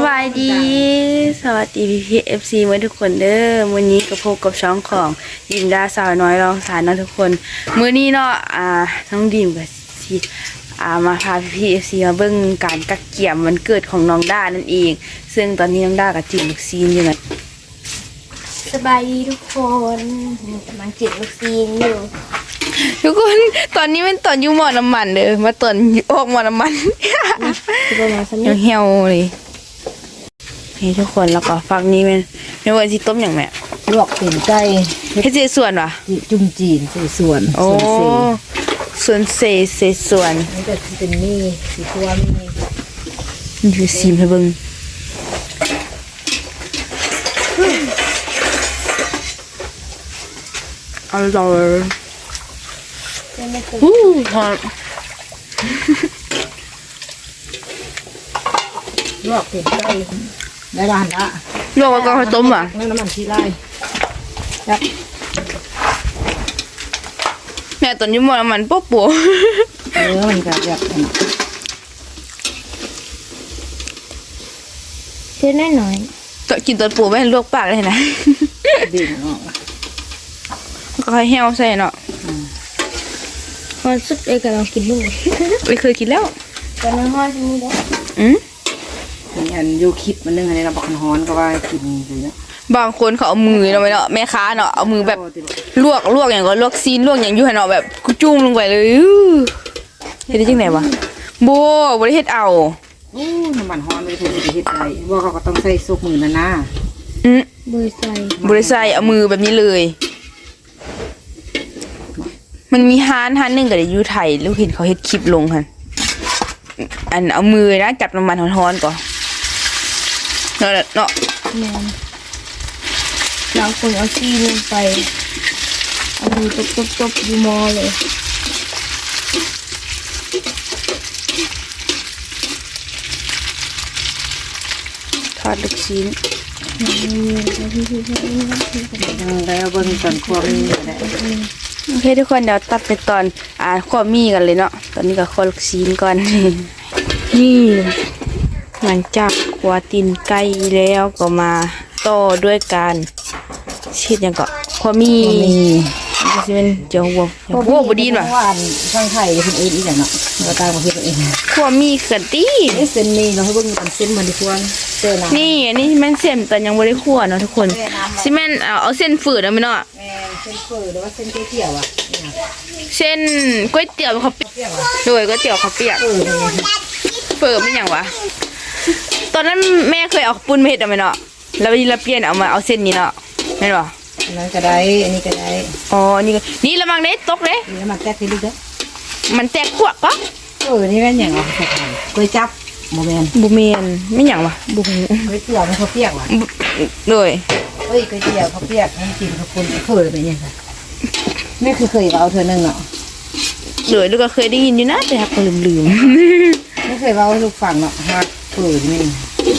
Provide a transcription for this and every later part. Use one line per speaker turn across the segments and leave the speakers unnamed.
บายดีสวัสดีพี่เอฟซีเมื่อทุกคนเด้อวันนี้กับพบกับช่องของดิมดาสาวน้อยรองสารนะทุกคนมื้อนี้เนาะน้องดิมกับซีมาพาพี่เอฟซีมาเบิ่งการกักเกี่ยมวันเกิดของน้องด้านั่นเองซึ่งตอนนี้น้องด้ากับจิ้มลูกซีนอยู่นะ
สบายดีทุกคนกำลังจิบลูกซีนอยู่
ทุกคนตอนนี้เป็นตอนอยู่หม้อน้ำมันเด้อมาตอนออกหม้อน้ำมัน
คือประมาณสักนิด
เหี่ยวๆเลยนี่ทุกคนแล้วก็ฟักนี้เป็นวันที่ต้มอย่างแม่
ลวกเป็นไก่
เฮ็ดเจส่วนวะ
จุ่มจีนใส่ส่วน
โอ้
ส่วนเศษ
ส่วนเศษส่วน
นี่ก็เป็นนี่สีตัวมี
นี่คือซีมให้เบิ่งอร่อย
ไม่เคย
หอม
ลวกเป็นไก่ได้บ้านละ
ลวกแล้วก็ค่อยต้มอ่ะ
น้ำมันที่ไร่ครับ
แม่ตอนอยู่หม้อน้ำมันปุ๊บปัว
มันก็แบบ
เส้นน้อย
ตอนกินตอนปัวไม่ให้ลวกปากเลยนะ
ดิ่งออก
ก็ค่อยเหี่ยวใส่เนาะ
ๆมันสุดเลยกับเรากินลูก
ไม่เคยกินแล้ว
ตอนนั้นห้อยที่นี่ได้
มีอันยูคลิปมันนึงอันนี้เราบอกฮ้อนก็ว่ากินเลยนะ
บางคนเขาเอามือเนาะไปเนาะแม่ค้าเนาะเอามือแบบลวกอย่างก็ลวกซีนลวกอย่างอยู่หั่นเนาะแบบกูจุ่มลงไปเลยเฮ็ดได้จังได๋วะบ่ได้เฮ็ดเอา
โอ้น้ำมันฮ้อนไม่ถูกจะเฮ็ดอะไรว่าเขาก็ต้องใส่ซุปมือนะ
เบอร์ใส่
บ่ได้ใส่เอามือแบบนี้เลย มันมีร้านหนึงก็ได้อยู่ไทยลูกเห็นเขาเฮ็ดคลิปลงหั่นอันเอามือนะจับน้ำมันร้อนๆก่อนเนาะ
แมนบางคนเอาซีนลงไปเอามือตบอยู่มอเลย
ทอดลูกชิ้น
แล้วเบิ่งตอนครัวมีอะไร
โอเคทุกคนเดี๋ยวตัดไปตอนข้อมีกันเลยเนาะตอนนี้ก็ข้อลูกชิ้นก่อน นี่หลังจากคั่วตีนไก่แล้วก็มาต่อด้วยการเช็ดอย่างก็ข้อมีมันก็สิเป็นเจียวหัวบ่ดีนว่ะ
หวานข้างไข่คนอื่นอีกอย่างเนาะเราตามมาเฮ็ดเอง
ข้อมีเกินตี
เส้นนี้เราให้เบิ่งกันเส้นมันดีกว่าเส้นน้ำ
นี่อันนี้แม่นเส้นแต่ยังบ่ได้คั่วเนาะทุกคนสิแม่นเอาเส้นฝืดเอาไหมเนาะ
แม่เส้นเฟอหรือว่าเส้นก๋วยเตี๋ยวอ่ะ
เส้นก๋วยเตี๋ยวข้าวเปียก
เตี๋ยวอ่ะ
โดยก๋วยเตี๋ยวข้าวเปียก เปิดไม่อย่างวะตอนนั้นแม่เคยเอาปุ้นมาเห็ดเอาไหมเนาะแล้วเราเปลี่ยนเอามาเอาเส้นนี้เนาะไม่หรอ
อันนั้นก็ได้อันนี้ก็ได้
อ๋อนี่ก็นี่ละมังเด้ตกเด้
นี่มันแตกทีลึกเด้อ
มันแตกขวดก็
นี่แม่นอย่างอ่ะก๋วยจับโมเมน
บุเมนไม่อย่างวะบุ
ก๋วยเตี๋ยวมันข้าวเปียกว่ะ
โดย
เฮ้ยก๋วยเตี๋ยวข้าวเปียกมันกินข้าวปุ้นเคยไปเนี่ยค่ะนี่คือเคยเอาเธอหนึ่งเนาะ
โดยลูกก็เคยได้ยินอยู่นะแต่หักก็ลืม
ไม่เคยเอาลูกฟังเนาะว่าเปิดนี่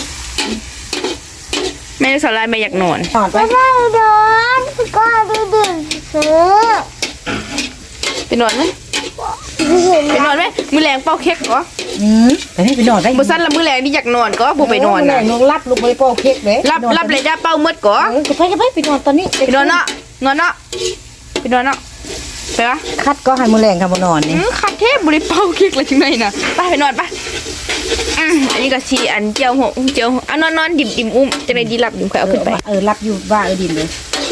แม่สอนลายแม่อยากนอน
ตอนไป
ไม่โดนก็ได้ดื่มซื้อ
ไปนอนไหมไปนอนไหมมือแรงเป้าเค้กก็
แต่นี่ไปนอนได้
บุสั้นละมือแรงที่อยากนอนก็บุไปนอน
นะ
นะ
นอนรับลูกไปโป้เค้กเลย
รับเลยได้เป้ามืดก็
ไปนอนตอนนี้
ไปนอนเนาะนอนเนาะไปนอนเนาะไปวะ
คัดก็ให้มือแรงครับนอนนี่
คัดเทพบริเป้าเค้กเลยจังไงนะไปนอนไปอันนี้ก็ชีอันเจียวหัวเจียวนอนดิบอุ้มจะได้ดีหลับค่อยเอาขึ้นไป
รับอยู่บ้าดินเลย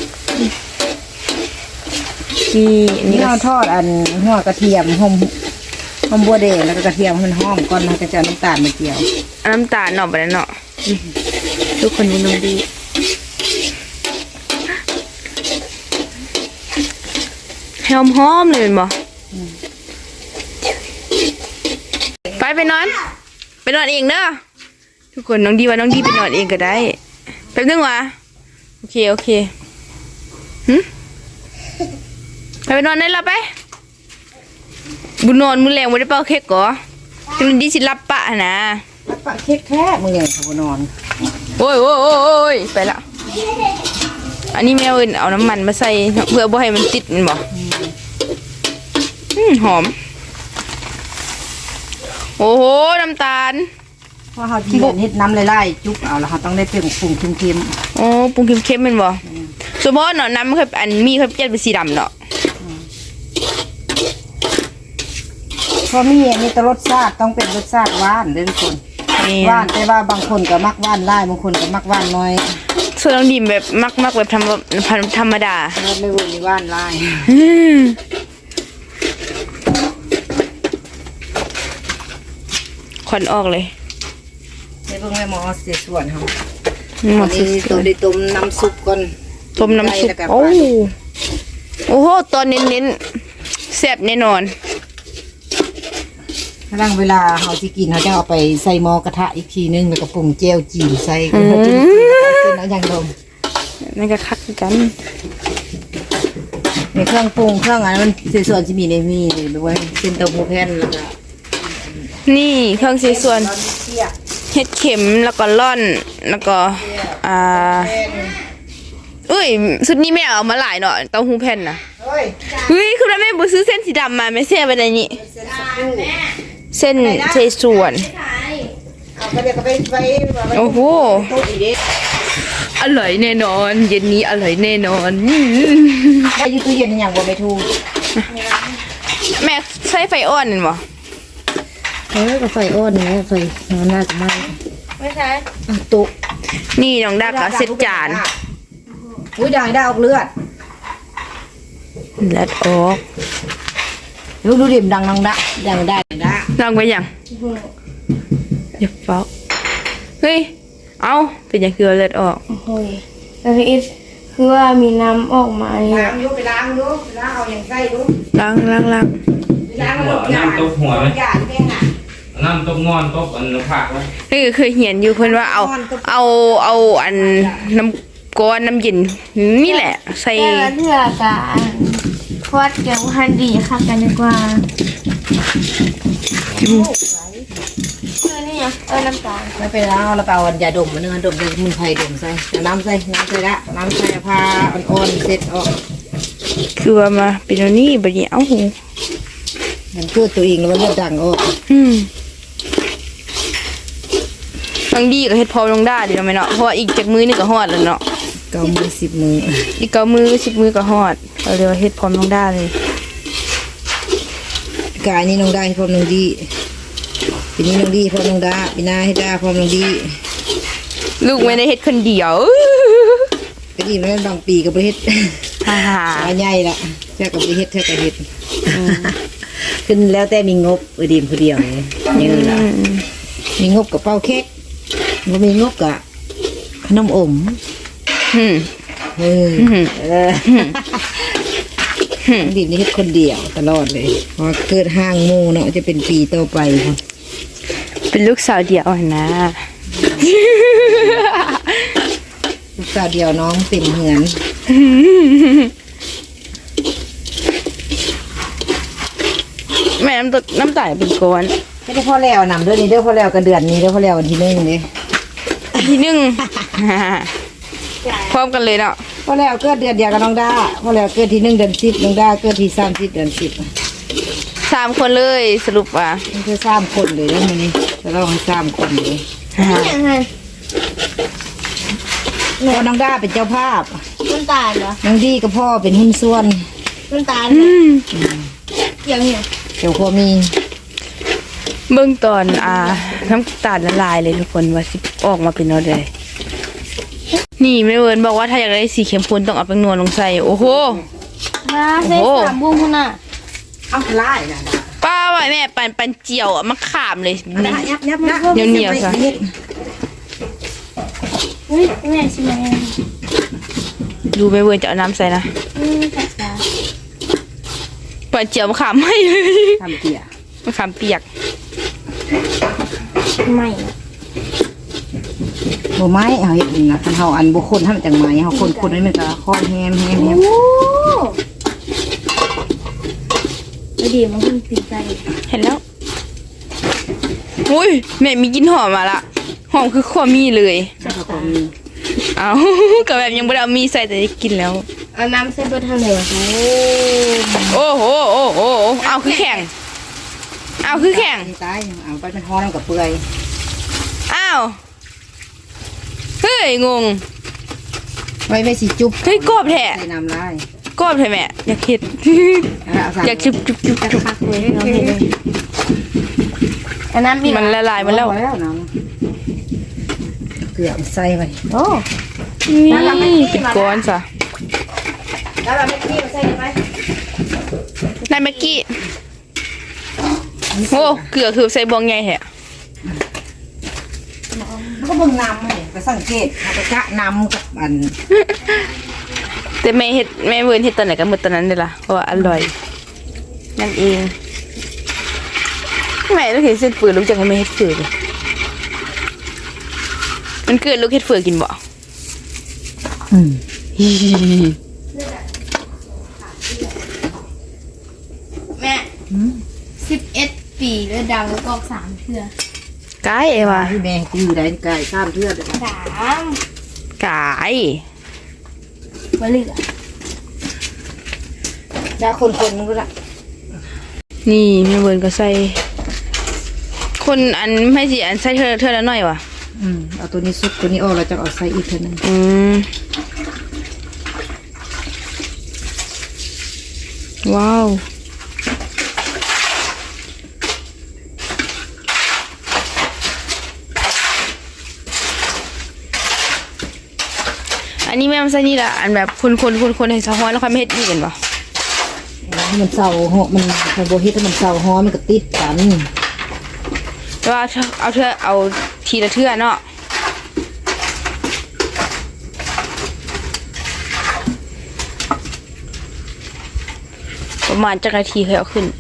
นี่อันนี้
นี่
ก็
เราทอดอันหัวกระเทียมหอมบัวแดงแล้วก็กระเทียมมันหอมก่อนแล้วก็จะน้ำตาลมาเจียว
น้ำตาลหน่อไปแล้วเนาะทุกคนดูน้องดีหอมเลยเป็นบ่ไปนอนเองเด้อทุกคนน้องดีว่าน้องดีไปนอนเองก็ได้แป๊บนึงวะโอเคไปนอนได้แล้วไปบุญนอนมือแรงไม่ได้เป่าเค้กก่อจังดีสิรับปะนะ
แล้วปะเค้กแท้มือแรงครับนอน
โอ้ยไปละอันนี้แม่เอิญเอาน้ำมันมาใส่เพื่อบ่ให้มันติดมันบ่หอมโอ้โหน้ำตาล
เพราะเฮาจีเฮ็ดน้ำไล่ๆจุกเอาแล้วเฮาต้องได้เปรี้ยวปรุงเค็ม
อ๋อปรุงเค็มๆแม่นบ่ส่วนเพราะเนาะน้ำมันเคยอันมีเคยเปลี่ยนเป็นสีดำเนาะ
ๆเพราะมีอันนี้แต่รสชาติต้องเป็นรสชาติหวานเด้อทุกคน
นี่
หวานแต่ว่าบางคนก็มักหวานหลายบางคนก็มักหวานน้อย
ส่วนน้องดิมแบบมักแบบธรรมดา
ไม่รู้มีหวานหลาย
ควันออกเลย
เดี๋ยวเบิ่งแม่หมอเสียส่วนเฮา
หม
อั
ด
นนี้ตัวได้ต้มน้ำซุปก่อน
ต้มน้ำซุป
แล้วก็
โอ้โอ้โหตอนเน้นๆแซ่บแน่นอน
ร่างเวลาเฮาสิกินเฮาจะเอาไปใส่หม้อกระทะอีกทีนึงแล้วก็ปรุงแจ่วจีนใส่ก็จะเป็นเอาอย่างดม
นั่นก็คักกัน
ในเครื่องปรุงเครื่องอันนั้นมันเสียส่วนสิมีในมีด้วยเส้นเต้าหู้แผ่นแล้วก็
นี่เครื่องสีส่วนเห็ดเข็มแล้วก็ล่อนแล้วก็เอ้ยสุดนี้แม่เอามาหลายเนาะเต้าหู้แผ่นนะ
เฮ้ย
เฮ้ยคือแม่บ่ซื้อเส้นสีดำมาไม่เสียไปไหนนี่เส้นเทส่วน
เอาไปเดี๋ยวก็ไป
โอ้โห
ตู้อีเด้
อร่อยแน่นอน เย็นนี้อร่อยแน่นอน
ไปอยู่ตู้เย็นอย่างบ่ไม่ถูก
แม่ใช้ไฟอ่อนนั่นบ่
ก็ไฟอ่อนนี่ไฟมันน่าจะไหม้
ไม่ใช่
ตุ๊
นี่น้องดาก็เสร็จจาน
อุ้ยด่างได้ออกเลือด
เลือดออก
ลูกดูดิมดังดังได้
ลองไปยังเดี๋ยวเฝ้าเฮ้ยเอาเป็นยังคือเลือดออก
โอ้ยแล้วพี่คือว่ามีน้ำออกมาเนี่ย
ล้างดูไปล้างดูล้างเอาอย่างไส้ดู
ล้าง
ล้างแล้วหมดยา
น้ำตกหัวไหม
ยาแค่น่ะ
น้ำตกงอนตกอันผักไหม
เฮ้ยเคยเห็นอยู่เพิ่นว่าเอาอันน้ำก้อนน้ำเย็นนี่แหละ ใส่
แต่ละเทือกะควัดเกี่ยวพันดีค่ะกันดีกว่านี่น้ำตาล
ไม่เป็นไรเราไปเอายาดมมาเนื้อดมมือไผ่ดมใส่น้ำใส่ละน้ำใส่ผ้าอ่อนๆเสร็จออก
คือว่ามาเป็นอันนี้บัดนี้เอ้าหู
มันเกิดตัวเองแล้วมันดังออก
บางดีก็เฮ็ดพอลงได้ดีเนาะแม่เนาะเพราะว่าอีกจากมือนึงก็ฮอดแล้วเนาะ
9 มือ 10 มือ
อีก9 มือ10 มือก็ฮอดเอาเรียกว่าเฮ็ดพร้อมลงได้เลย
กายนี้น้องได้พร้อมน้องดีปีนี้น้องดีพร้อมน้องดาปีหน้าให้ดาพร้อมน้องดี
ลูกไม่ได้เฮ็ดคนเดียว
ก็ดีแล้วบางปีก็บ่เฮ็ด
ฮ่า
อาใหญ่ละแค่กับบ่เฮ็ดแค่กับเฮ็ดขึ้นแล้วแต่มีงบดีมผู้เดียวนี่ล่ะมีงบกับเป้าเค้กบ่มีงบกับขนมอม เออดิมนี่เฮ็ดคนเดียวตลอดเลยพอเกิดห้างหมู่เนาะจะเป็นปีต่อไปค่ะ
เป็นลูกสาวเดียวนะ
ลูกสาวเดียวน้องเต็มเหมือน
แม่น้ำตาลเป็นก้อน
ไม่ได้พ่อแล้วนำเดือนนี้เด้อพ่อแล้วกันเดือนนี้เด้อพ่อแล้ววันที่1นี่
ทีหนึ่ง พร้อมกันเลยเนาะ
พ่อแล้วเกิดเดือนเดียวกับน้องดาพ่อแล้วเกิดที่1 เดือน 10น้องดาเกิดที่30 เดือน 10
3 คนเลยสรุปว่า
มันคือ3 คนเลยเด้อมื้อนี้จะเล่าให้3 คนเลย
อย่างไร
พ่อน้องดาเป็นเจ้าภาพ
น้ำตาลเหรอ
น้องดีกับพ่อเป็นหุ้นส่วน
น้ำตาลอย่างเนี้ย
เดี๋ยวพ่อมี
เบื้องตอนน้ำตาลละลายเลยทุกคนว่าสิออกมาเป็นเอาได้นี่แม่เวิร์นบอกว่าถ้าอยากได้สีเข้มข้นต้องเอาแป้งนวลลงใส่โอ้โห
มาใส่สามบุ้งคุณน่ะ
เอาลายนะ
ป้าว่าแม่ปันเจียวอ่ะมะขามเลย
ยับยับนะ
เหนียวๆซะ
อุ้ยแม่ชิมอะไร
ดูแม่เวิร์นจะเอาน้ำใส่นะ
ภาษา
ปันเจียวมะขามไม่เลย
ทำเกี่ย
มะขามเปียก
ไม่
บ่ไม้เอาเฮ็ดนี่นะคันเฮาอันบ่คนให้มันจังไม้เฮาคนให้มันก็ค่อนแฮม
โอ้ไม่ดีมันเพิ่งติดใจ
เห็นแล้วอุ้ยแม่มีกลินหอมมาละหอมคือขวมีเลย
แล้วก็มี
เอา กับแบบยังไม่ได้เอามีใส่แต่ได้กินแล้ว
เอาน้ำใส่เบอร์ทางไหนวะ
โอ้โหเอาคือแข็ง เอาคือแข็ง
ตายเอาไปเป็นฮ้อนกับเปื่อย
าวเฮ้ยงง
ไว้สิจุ๊บ
เฮ้ยกรอบแท้
ใส่น้ำลาย
กรอบแท้แม่อยากเฮ็ด
เอาใส่
อยากจุบ
คักเลยเราเห็นเลยอันนั้นมี
มันละลายมันแล้ว
พอแล้วน้ำเกลือใส่ไป
โอ้
นี่เป็นก้อนซะ
แล้วเราไม่ขี้มาใส่ไหม
นายเมื่อกี้โอ้เกลือคือใส่บวงใหญ่แท้
แล้วก็เบิ่งน้ำให้ไปสังเกตเอาไปกะน้ำกับอัน
แต่แม่เฮ็ดแม่เวิร์นเฮ็ดตอนไหนก็หมดตอนนั้นเลยล่ะเพราะว่าอร่อยนั่นเองแม่ลูกเห็นเส้นฝืนลูกจังให้แม่เฮ็ดฝืนเลยมันเกิดลูกเฮ็ดฝืนกินบ่
แม่11 ปีแล้วดาวแล้วก็3เทื่อก
ายเอว่ะ
ที่แม่อยู่ได้ไก่ข้ามเทือกเลย
3
กาย
บ่เหลือ
จ้าคนๆนึงก็ละ
นี่แม่เวิร์นก็ใส่คนอันไม่สิอันใส่เธอละหน่อยวะ
เอาตัวนี้ซุปตัวนี้ออกแล้วจะเอาใส่อีกเท่านั้น
ว้าวอันนี้แม่มาใส่นี่ละอันแบบคนให้สะฮ้อนแล้วค่อยไม่เฮ็ดอีกกันปะ
ให้มันเศร้าหอมันไฮโบเฮ็ดให้มันเศร้าหอมันก็ติดกัน
แต่ว่าเอาทีละเทื่อเนาะประมาณจักนาทีเคยเอาขึ้น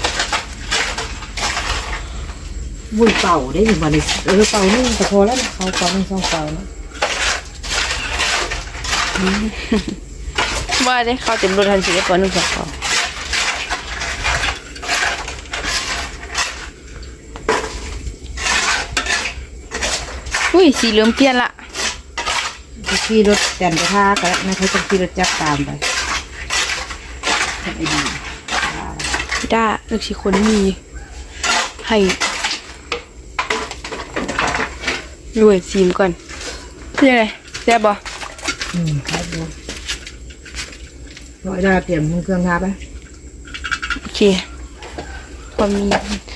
วุ้ยเป่าได้ถึงวันนี้เป่านี่ก็พอแล้วนะเขาเป่าไม่ต้องเป่านะ
ว่าได้เข้าเต็มรถทันทีได้ก่อนนึงสักเขาอุ้ยสีเหลืองเปลี่ยนละ
ขี่รถแต่นไปท่าก็นะเขาจะขี่รถจักรตามไปทำไอ้ดี
ด้าเลือกสีคนมีให้รวยซีมก่อนเป็นยังไงแซ่บบ่
ครับผมร้อยดาเตรียมเครื่องทาไป
โอเคพอมี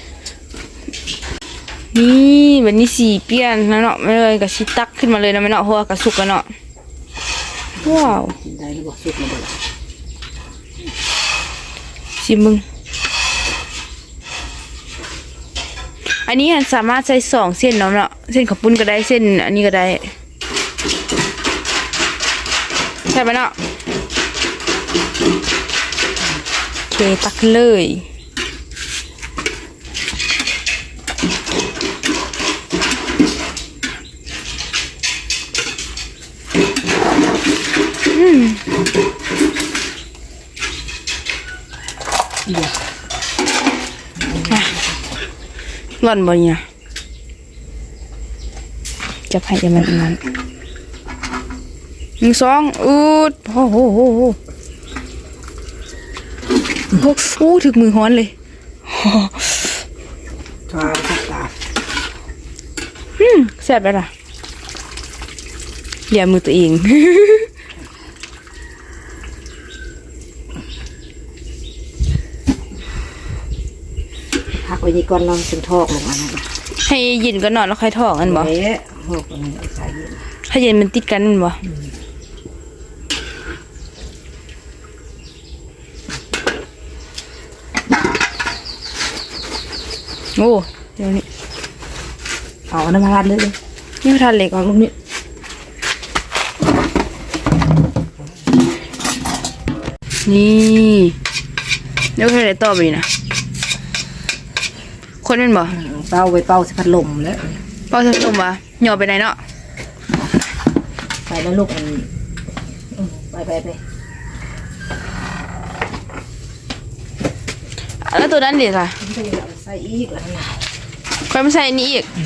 นี่วันนี้สีเปลี่ยนแล้วเนาะไม่เลยกับชิตักขึ้นมาเลยนะไม่เนาะเพราะว่ากระสุกกันเนาะว้าว
กินได้หรือเปล่าสุกมาเลย
ชิมมึงอันนี้สามารถใส่2 เส้นเนาะเส้นข้าวปุ้นก็ได้เส้นอันนี้ก็ได้ใช่ไหมเนาะโอเคตักเลยร่อนบ่เนี่ยจะให้จะมันนั้น1 2อูดโอ้โหถึกมือฮ้อนเลย
ทาสักตา
แซ่บแล้วล่ะเหลี่ยมมือตัวเอง
พักไว้นี่ก่อนลองเป็นทอกลงมานะ
ให้เย็นก็นอนแล้วค่อยทอกกันบ่
เอ๊ะทอกอันนี้ใส่เย็น
ถ้าเย็นมันติดกันนั่นบ่โอ้เดี๋ยวนี้
เอาน้ำมันราดเลย
นี่ทานเหล็กออกลูกนี้นี่เดี๋ยวใครได้ต่อไปนะคนเป็นบ่
เป่าไว้เป่าสิพัดลมแล้ว
เป้าจะส่งบ่หย่อไปไหนเนาะ
ใส่แล้วลูกมันไป
แล้วตัวนั้นดิค่ะ
ใส่อีกแล้วนะ
ค่อยมาใส่อันนี้อีก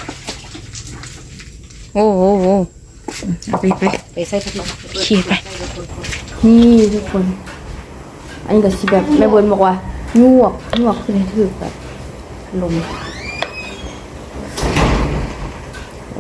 โอ้โหเอาไป
ใส่พัดลม
ขีดไปนี่ทุกคน อันนี้ก็สิแบบแม่บนบอกว่ายวกขึ้นให้ถือแบบลม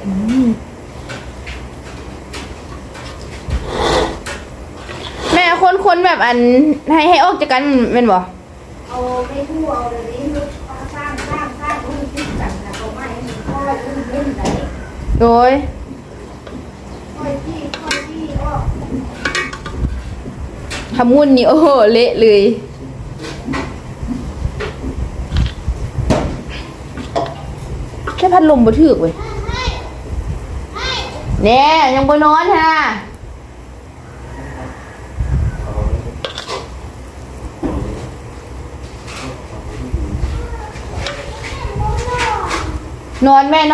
แม่คนแบบอันให้ออกจากกันแม่นบ่
เอาไม่ทั่วเอาเลยนี่สร้างรุ่นที่จัดนะเอาไม้ให้มันค่อยรุ่นเล่นไหน
โดย
ค่อยที่อ้อ
ทำวุ่นนี่โอ้โหเละเลยแค่พัดลมบ่ถึกเว้ยแน่ยังบ่นอนฮะนอนแม่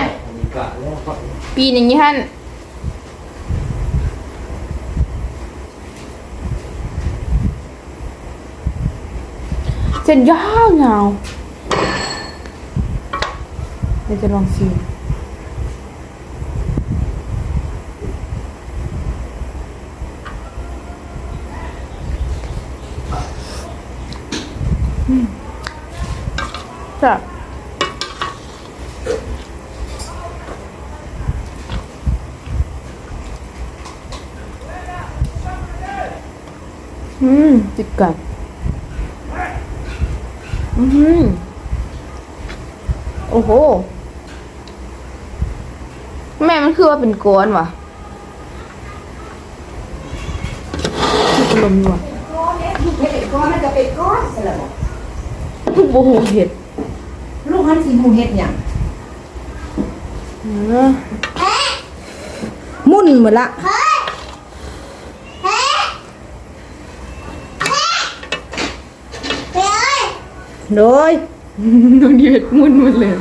ปีนอย่างนี้ฮั่นเส้นยาวเดี๋ยวจะลองชิมจ้ะจิบกันโอ้โหแม่มันคือว่าเป็นก้อนวะคือลมอยู่วะ
เห็ดก้อนมันจะเป็นก้อนสลับ
โอ้โหเห็ด
ลูกหันสีหมูเห็ดอย่างมุ่นหมดละโดย
น้องเห็ดมุนหมดเลย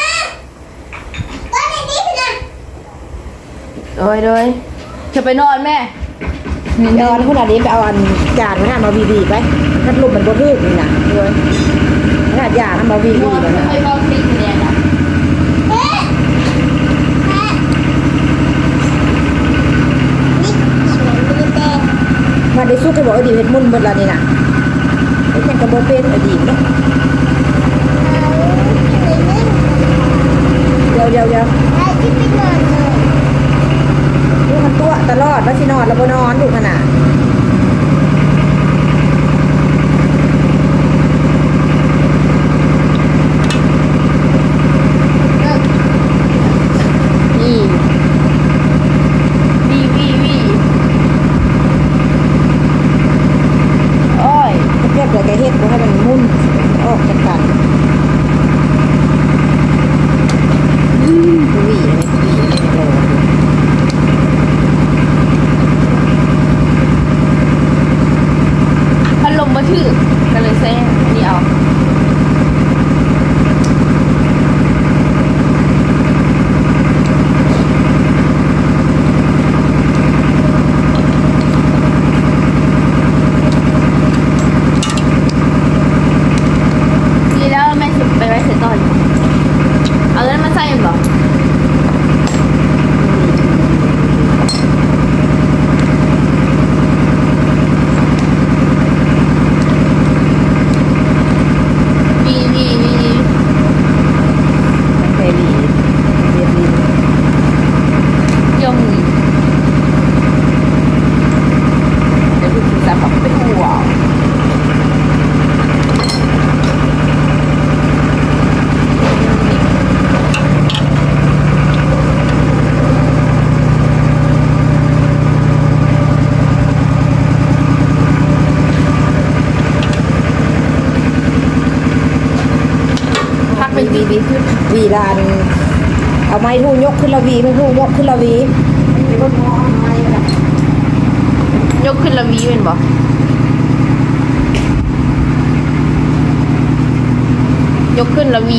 โดยจะไปนอนแม่
นอนขนาดนี้ไปเอาอันจานมันมาบีไปพัดลมมันบ่ทึกนี่นะโดยขนาดยามันมาบี
นอน
แล้ว
ไม่
นะ
ค่อยเบาคลิกเนี่ยนะ
มาได้สู้กับบอกอดีตเห็ดมุ่นหมดละนี่นะเป็นยังกระโบเป็นอดีตเนาะเดี๋ยวลูกมันตัวตลอดว่าสินอนแล้วบ่นอนลูกขนาด
นี่วีโอ้ย
เรียบเลยแกเฮ็ดบ่ให้มันมุ่นออกจากกันวีโล
พัดลมมาถือก็เลยแซ่นี่เอาดีแล้วแม่ไปไว้เสร็จก่อนเอาเงินมาใส่เหรอวี
เฟรีเรียบรี
ยงเดี๋ยวคุณจะแบบเป็นหัวพักเป็นวีขึ้น
วีลานเอาไม้ทูยกขึ้นละวีไม่ทูยกขึ้นละวีเป็นคนมองไม้แบบ
ยกขึ้นละวีเป็นบ่ยกขึ้นละวี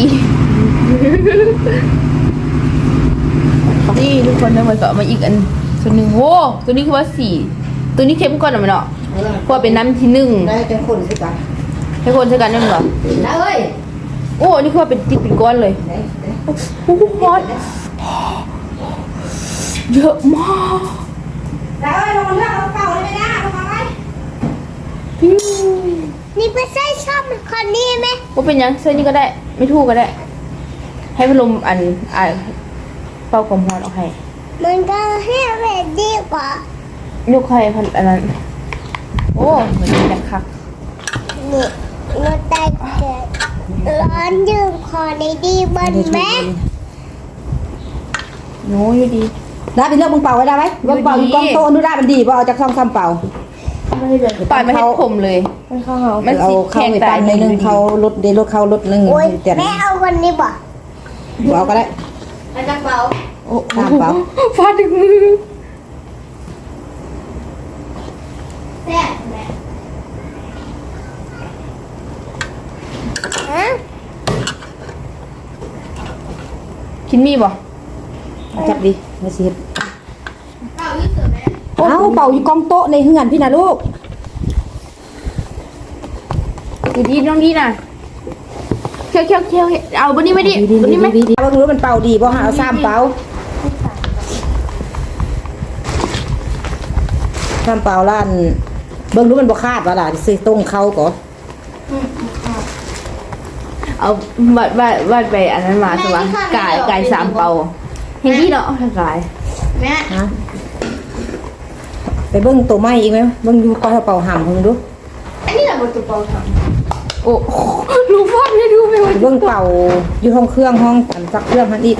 นี่ทุกคนได้มาก็เอามาอีกอันตัวหนึ่งโว้ตัวนี้คือว่าสี่ตัวนี้เข้มก่อนหน่อยเนาะเพราะว่าเป็นน้ำที่หนึ่ง
ได้เป็นคนสิกัน
ให้คนใช้กันนั่นเหรอ
ได้เอ้ย
โอ้นี่คือว่าเป็นติดเป็นก้อนเลย
ได้
โอ้โหฮอตเยอะมาก
ได้เอ้ยลงมาเลือกเอาเก่าเลยไหมนะลงมาไหม
พิ้ว
นี่เป็นไส้ชอบคนนี้ไหม
ว่าเป็นยังเส้นนี้ก็ได้ ไม่ถูกก็ได้ ให้พัดลมอันเป่ากลมฮอนออกให้
มันก็ให้แบบดีกว่าย
กให้พันอันนั้นโอ้เหมือนจะคัก
นี่รถได้เกิดร้อนยืมคอได้ดีบนแม่
โน้อยู่ดี
ได้เป็นเรื่องมึงเป่าไว้ได้ไหมเรื่องเป่าอยู่กองโตนู่นได้มันดีบ่เอาจากซ่อมซ้ำเป่า
ปล่อยมาให้ผมเลย
มันเข้าเหา
มัน
เอา
สิ
เข้า
แข็ง
ไป
ตา
ปั้
ย
นในนึงเขาลดเดลดเขาลดนึง
โอ๊ย
เตียน
แม่เอาคนนี้บ่
เอาก็ได้
มันจะเบา
โอ้
ตามเป่า
ฟาดถึงมือ
แซ่บแม่ฮะ
กินมีบ่
จับดิมาสิเอาเป่าอยู่กองโต๊ะในเฮือนพี่นะลูก
อยู่ดีน้องดีน่ะเคี้ยวเอาบนนี้ไม่ดิบนนี้ไหม
ดีว่ารู้มันเป่าดีบ่หาเอาซ้ำเป่าซ้ำเป่าล้านเบิ่งรู้มันบ่คาดว่าล่ะสิตรงเขาก่อ
เอาวัดไปอันนั้นมาสิวะกาย3เป่าเห็นดีเนาะกาย
แม่
ฮะไปเบิ่งตัวไม้อีกไหมเบิ่งอยู่ก่อนเป่าห่ำเพิ่งดู
อันนี้แหละบนตัวเบาท
โอ้รู้ฟาดไม่ดูไป
ไปเบิ่งเป่าอยู่ห้องเครื่องห้องอันซักเครื่องหันอีก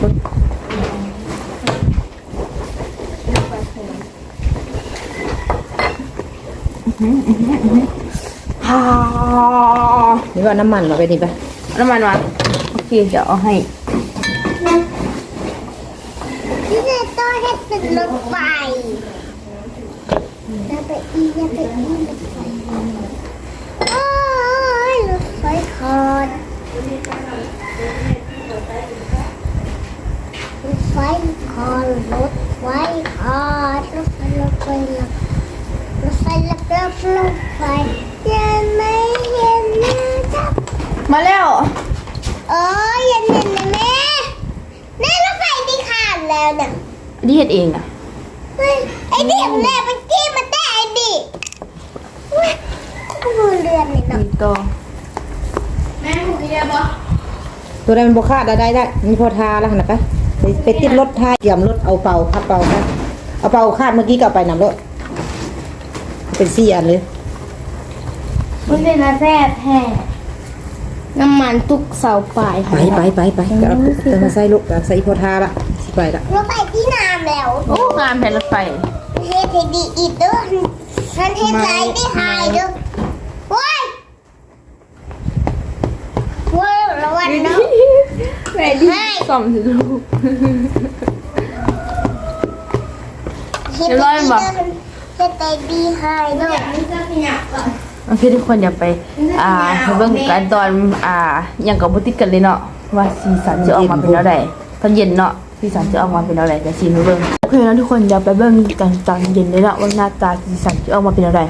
ฮ่า
นี่ว่าน้ำมันมาไปนี่ไป
น้ำมันมาโอเคเดี๋ยวเอาให้
ำที่จะต้องให้เป็นรถไฟอย่าไปอีรถไฟโอ้ยรถไฟคอดรถไฟคอดรถไฟคอดรถไฟรถไฟรถไฟรถไฟรถไฟยังไม่เห็นนะจ๊ะ
มาแล้ว
เออยังเห็นนะแม่แม่รถไฟที่ขาดแล้วเนี่ย
ดีเฮ็ดเองอ่ะ
เฮ้ยไอ้ดิบแม่ไปจี้มาแต่ไอ้ดิบเว้ยกูรู้เรื่องเลยเนาะ
ดีต่อ
แม่ถูกเรียบบ่
ตัวใดมันบ่คาดได้มีพอทาแล้วหั่นน่ะไปติดรถทาเกี่ยมรถเอาเป่าพับเป่าไปเอาเป่าคาดเมื่อกี้ก็เอาไปนำรถเป็น4อันเลย
มันเป็นอาแซ่บแท้น้ำมันทุกเสาปลาย
ไปก็เอาตัวมาใส่ลูกเอาใส่พอทาละสิไปละ
รถไฟที่น้ำแล้ว
โอ้งานแผ่นรถไฟ
เฮ็ดให้ดีอีกเด้อฉันเฮ็ดไรได้หายเด้อโว้ยโว้ยระวังเนาะ
แม่ดีซ่อมสิลูก
เฮ็ด
เดี๋ยวรอให้บอก
เฮ็ดใจดีหายเด้อนี่ก็ขยับก่อน
โอเคทุกคนอย่าไปไปเบิ่งกันตอนอย่างกับบ่ติดกันเลยเนาะว่าสีสันจะออกมาเป็นแล้วใดตอนเย็นเนาะสีสันจะออกมาเป็นแล้วใดจะซีมาเบิ่งโอเคแล้วทุกคนอย่าไปเบิ่งกันตอนเย็นเลยเนาะว่าหน้าตาสีสันจะออกมาเป็นแล้วใด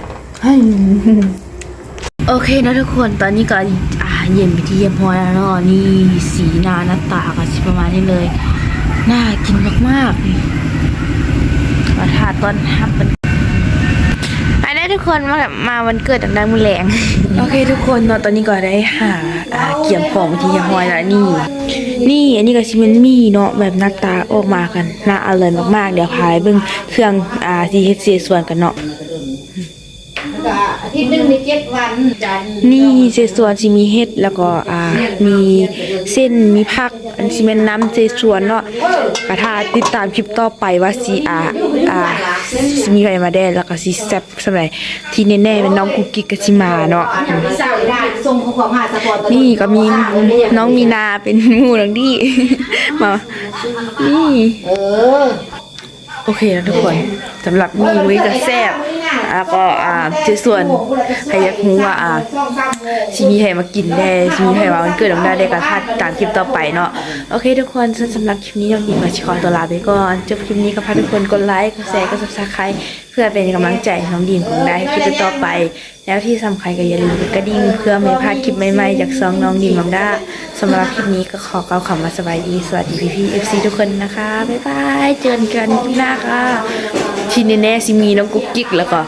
โอเคนะทุกคนตอนนี้ก็เย็นไปที่เยี่ยมพอแล้วเนาะนี่สีหน้าตาก็สิประมาณนี้เลยน่ากินมากๆนี่มาทาต้อนรับมันไปได้ทุกคนมาวันเกิดดังๆมือแรง โอเคทุกคนเนาะตอนนี้ก็ได้หาเกี่ยมของที่ยาฮอยแล้วนี่อันนี้ก็ชิมันมีเนาะแบบหน้าตาออกมากันน่าอร่อยมากๆเดี๋ยวพายเบิ่งเครื่องที่เฮ็ดเสียส่วนกันเนาะ
อาทิตย์นึงมี7วันจันทร์
นี่เศษส่วนสิมีเห็ดแล้วก็มีเส้นมีผักอันสิแม่นน้ำเศษส่วนเนาะก็ถ้าติดตามคลิปต่อไปว่าสิสิมีใครมาได้แล้วก็สิแซ่บสำหรับที่แน่ๆเป็นน้องกุ๊กกิ๊กกับสิมาเนาะ
เศร้าได้ส่งข้อความหาสปอร์ต
นี่ก็มีน้องมีนาเป็นหมู่นังดีมานี่ โอเคนะทุกคนสำหรับนี่วิกแซ่บแล้วก็ในส่วนใครอยากรู้ว่าชิมีใครมากินได้ชิมีใครมาวันเกิดน้องได้ก็ถ้าตามคลิปต่อไปเนาะโอเคทุกคนสำหรับคลิปนี้น้องดีมาขอตัวลาไปก่อนจบคลิปนี้ก็พาทุกคนกดไลค์กดแชร์กด Subscribe เพื่อเป็นกำลังใจให้น้องดีมของได้คลิปต่อไปแล้วที่สำคัญก็อย่าลืมกดกระดิ่งเพื่อไม่พลาดคลิปใหม่ๆจากซองน้องดีมน้องด้าสำหรับคลิปนี้ก็ขอกล่าวคำว่าสบายดีสวัสดีพี่ๆ FC ทุกคนนะคะบ๊ายบายเจอกันที่หน้าค่ะที่แน่ๆสิมีน้องกุ๊กกิ๊กแล้วก็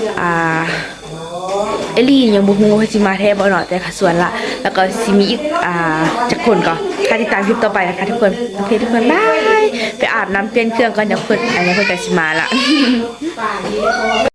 เอลี่ยังบ่ฮู้ว่าสิมาแท้บ่เนาะแต่ค่ะส่วนละแล้วก็สิมีอีกจักคนก็ใครถ้าติดตามคลิปต่อไปนะคะทุกคนโอเคทุกคนบายไปอาบน้ำเปลี่ยนเครื่องก่อนเดี๋ยวคนอันนี้คนจะสิมาละ